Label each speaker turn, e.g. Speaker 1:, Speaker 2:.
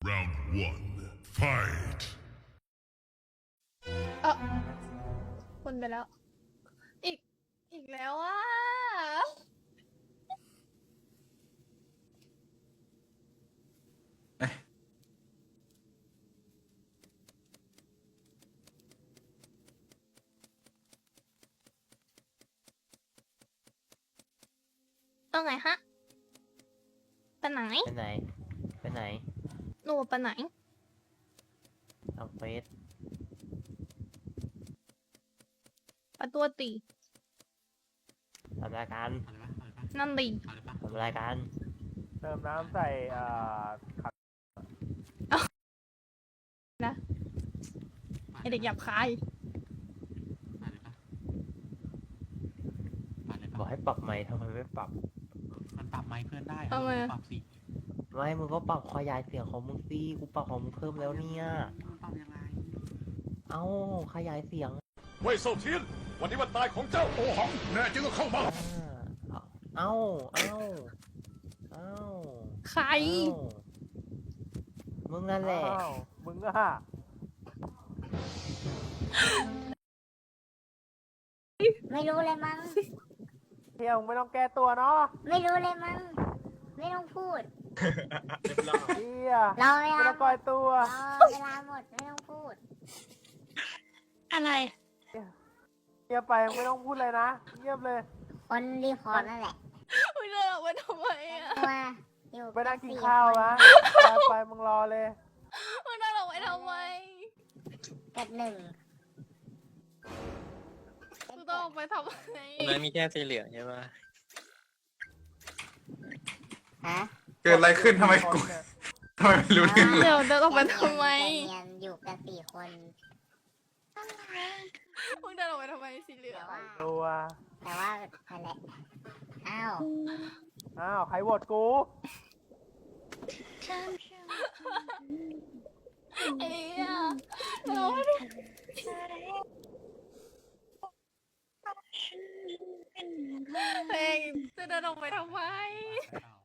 Speaker 1: Round one, fight.
Speaker 2: เออคนไปแล้ว อีกแล้วอ่ะเอาไงฮะไปไหน
Speaker 3: ไปไหน ไปไหน
Speaker 2: หนูไปไหน
Speaker 3: ทำเฟส
Speaker 2: ไปตัวตี
Speaker 3: ทำรายการ
Speaker 2: นั่นดี
Speaker 3: ทำรายการ
Speaker 4: เติมน้ำใส่ขัด
Speaker 2: นะไอเด็กหยาบคาย
Speaker 3: บอกให้ปรับไมค์ทำไมไม่ปรับ
Speaker 5: มันปรับไมค์เพื่อนได้
Speaker 2: ทำไมอะ
Speaker 5: ปรับสิ
Speaker 3: ไม่มึงก็ปรับขยายเสียงของมึงสิกูปรับของมึงเพิ่มแล้วเนี่ย
Speaker 5: มันปรับยังไง
Speaker 3: เอ้าขยายเสียง
Speaker 1: เว่ยเซาเทียน วันนี้วันตายของเจ้าโอหัง แน่จริงก็เข้ามา
Speaker 3: เอ้า เอ้า เอ้า
Speaker 2: ใคร
Speaker 3: เอ้ามึงนั่นแหละ
Speaker 4: อ้าวมึงอะ
Speaker 6: ไม่รู้เลยมั้ง
Speaker 4: เที่ยวมึงไม่ต้องแก้ตัวเนาะ
Speaker 6: ไม่รู้เลยมั้ง ไม่ต้องพูด
Speaker 4: เที่ย
Speaker 6: เราเว
Speaker 4: ไม่
Speaker 6: ลา
Speaker 4: ต้องก่อยตัว
Speaker 6: เวลาหมดไม่ต้องพูด
Speaker 2: อะไร
Speaker 4: เงียบไปไม่ต้องพูดเลยนะเงียบเลย
Speaker 6: คนรีพอร์ตนั่นแหละ
Speaker 2: มึงเดินออกไปทำไมอ่ะ
Speaker 6: มาอยู่
Speaker 4: ไปนั่งกิน
Speaker 6: สี่
Speaker 4: ข้าว
Speaker 6: คน
Speaker 4: นะไปมึงรอเลย
Speaker 2: มึงเดินออกไปทำไม
Speaker 6: กับหนึ่ง
Speaker 2: มึงต้องออกไปทำไม
Speaker 7: ตรงนั้นมีแค่สีเหลืองใช่ปะ
Speaker 6: ฮะ
Speaker 8: เกิดอะไรขึ้นทำไมกูทำไมไม่รู้เรื่องเลย
Speaker 2: เดี๋ยวเดินออกไปทำไม
Speaker 6: ใจเย็นอยู่กันสี่คน
Speaker 2: มึงเดินออกไปทำไมสีเหลือ
Speaker 6: แต่
Speaker 2: ง
Speaker 6: ว่า
Speaker 4: ตัว
Speaker 6: แต่ว่านั่นแหละอ้าว
Speaker 4: อ้าวใครโหวตกู
Speaker 2: เอ้ยเราไม่ได้เพลงจะเดินออกไปทำไม
Speaker 5: อ้าว